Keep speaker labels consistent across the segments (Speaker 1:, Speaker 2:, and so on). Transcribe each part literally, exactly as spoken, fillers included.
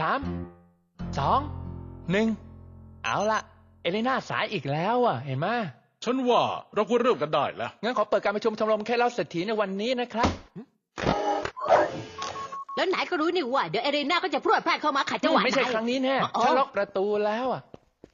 Speaker 1: ามสองหนึ่งเอาละเอเลน่าสายอีกแล้วอ่ะเห็นไหม
Speaker 2: ฉันว่าเราควรเริ่มกันได้แล้ว
Speaker 1: งั้นขอเปิดการประชุมชมรมแค่เล่าเศรษฐีในวันนี้นะครับ
Speaker 3: แล้วไหนก็รู้นี่ว่าเดี๋ยวเอเรน่าก็จะพรวดพลาดเข้ามาขัดจังหวะ
Speaker 1: ไม่ใช่ครั้งนี้แน่ฉันล็อกประตูแล้วอ่ะ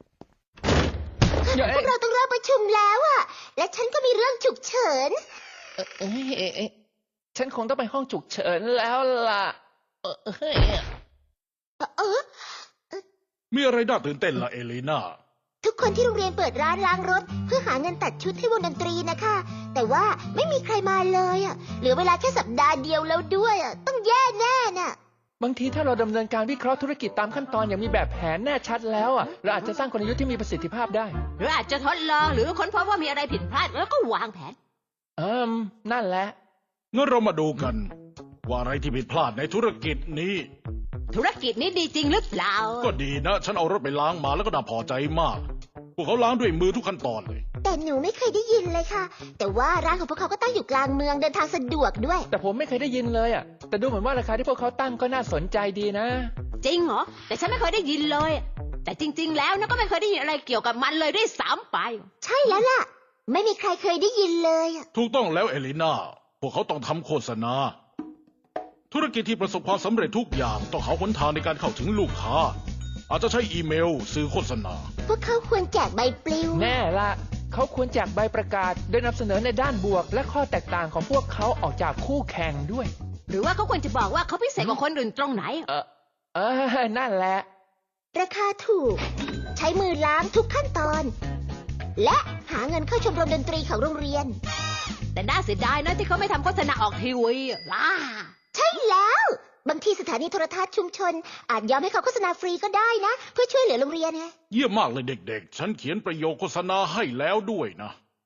Speaker 4: พวกเราต้องเริ่มประชุมแล้วอ่ะและฉันก็มีเรื่องฉุกเฉิน
Speaker 1: เอ้ยฉันคงต้องไปห้องฉุกเฉินแล้วล่ะเออ
Speaker 4: เออ
Speaker 2: มีอะไรน่าตื่นเต้นล่ะเอเลน่า
Speaker 4: ทุกคนที่โรงเรียนเปิดร้านล้างรถเพื่อหาเงินตัดชุดให้วงดนตรีนะคะแต่ว่าไม่มีใครมาเลยอ่ะเหลือเวลาแค่สัปดาห์เดียวแล้วด้วยอ่ะต้องแย่แน่น่ะ
Speaker 1: บางทีถ้าเราดำเนินการวิเคราะห์ธุรกิจตามขั้นตอนอย่างมีแบบแผนแน่ชัดแล้วอ่ะเราอาจจะสร้างกลยุทธ์ที่มีประสิทธิภาพได้
Speaker 3: หรืออาจจะทดลองหรือค้นพบว่ามีอะไรผิดพลาดแล้วก็วางแผน
Speaker 1: เอิมนั่นแหละ
Speaker 2: งั้นเรามาดูกันว่าอะไรที่ผิดพลาดในธุรกิจนี้
Speaker 3: ธุรกิจนี้ดีจริงหรือเปล่า
Speaker 2: ก็ดีนะฉันเอารถไปล้างมาแล้วก็น่าพอใจมากพวกเขาล้างด้วยมือทุกขั้นตอนเลย
Speaker 4: แต่หนูไม่เคยได้ยินเลยค่ะแต่ว่าร้านของพวกเขาก็ตั้งอยู่กลางเมืองเดินทางสะดวกด้วย
Speaker 1: แต่ผมไม่เคยได้ยินเลยอ่ะแต่ดูเหมือนว่าราคาที่พวกเขาตั้งก็น่าสนใจดีนะ
Speaker 3: จริงเหรอแต่ฉันไม่เคยได้ยินเลยแต่จริงๆแล้วนะก็ไม่เคยได้ยินอะไรเกี่ยวกับมันเลยด้วยซ้ำไป
Speaker 4: ใช่แล้วล่ะไม่มีใครเคยได้ยินเลย
Speaker 2: ถูกต้องแล้วเอลิน่าพวกเขาต้องทำโฆษณาธุรกิจที่ประสบความสำเร็จทุกอย่างต้องหาหนทางในการเข้าถึงลูกค้าอาจจะใช้อีเมลสื่อโฆษณา
Speaker 4: พวกเขาควรแจกใบปลิว
Speaker 1: แน่ละเขาควรแจกใบประกาศโดยนำเสนอในด้านบวกและข้อแตกต่างของพวกเขาออกจากคู่แข่งด้วย
Speaker 3: หรือว่าเขาควรจะบอกว่าเขาพิเศษกว่าคนอื่นตรงไหน
Speaker 1: เออเออนั่นแหละ
Speaker 4: ราคาถูกใช้มือล้างทุกขั้นตอนและหาเงินเข้าชมรมดนตรีของโรงเรียน
Speaker 3: แต่น่าเสียดายนะที่เขาไม่ทำโฆษณาออกทีวีล่ะ
Speaker 4: ใช่แล้วบางทีสถานีโทรทัศน์ชุมชนอาจยอมให้เขาโฆษณาฟรีก็ได้นะเพื่อช่วยเหลือโรงเรียนไง
Speaker 2: เยี่ยมมากเลยเด็กๆฉันเขียนประโยคโฆษณาให้แล้วด้วยนะ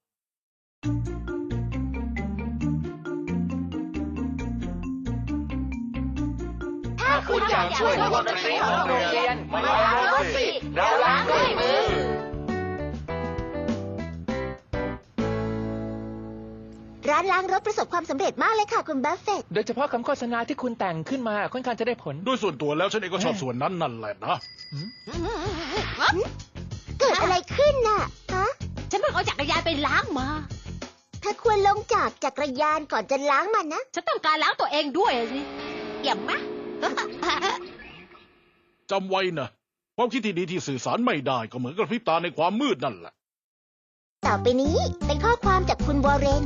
Speaker 1: ถ้าคุณอยากช่วยวงดนตรีของโรงเรียนมาล้างรถสิเราล้างด้วยมือ
Speaker 4: ร้านล้างรถประสบความสำเร็จมากเลยค่ะคุณบัฟเฟตต์
Speaker 1: โดยเฉพาะคำโฆษณาที่คุณแต่งขึ้นมาค่อนข้างจะได้ผล
Speaker 2: โดยส่วนตัวแล้วฉันเองก็ชอบส่วนนั้นนั่นแหละนะ
Speaker 4: เกิดอะไรขึ้นน่ะฮะ
Speaker 3: ฉันเพิ่งเอาจักรยานไปล้างมา
Speaker 4: เธอควรลงจากจักรยานก่อนจะล้างมันนะ
Speaker 3: ฉันต้องการล้างตัวเองด้วยสิเยี่ยมไหม
Speaker 2: จำไว้นะความคิดที่ดีที่สื่อสารไม่ได้ก็เหมือนกระพริบตาในความมืดนั่นแหละ
Speaker 4: ต่อไปนี้เป็นข้อความจากคุณวอร์เรน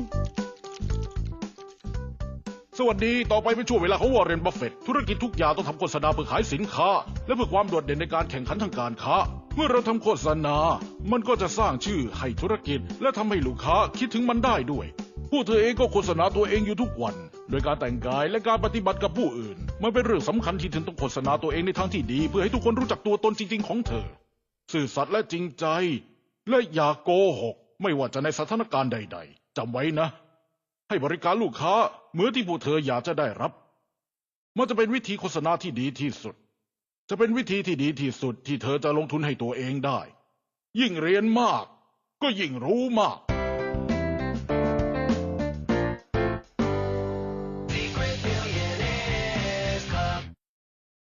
Speaker 2: สวัสดีต่อไปเป็นช่วงเวลาของวอร์เรน บัฟเฟตต์ธุรกิจทุกอย่างต้องทำโฆษณาเพื่อขายสินค้าและเพื่อความโดดเด่นในการแข่งขันทางการค้าเมื่อเราทำโฆษณามันก็จะสร้างชื่อให้ธุรกิจและทำให้ลูกค้าคิดถึงมันได้ด้วยผู้เธอเองก็โฆษณาตัวเองอยู่ทุกวันโดยการแต่งกายและการปฏิบัติกับผู้อื่นมันเป็นเรื่องสำคัญที่เธอต้องโฆษณาตัวเองในทางที่ดีเพื่อให้ทุกคนรู้จักตัวตนจริงๆของเธอซื่อสัตย์และจริงใจและอย่าโกหกไม่ว่าจะในสถานการณ์ใดๆจำไว้นะให้บริการลูกค้าเหมือนที่ผู้เธออยากจะได้รับมันจะเป็นวิธีโฆษณาที่ดีที่สุดจะเป็นวิธีที่ดีที่สุดที่เธอจะลงทุนให้ตัวเองได้ยิ่งเรียนมากก็ยิ่งรู้มาก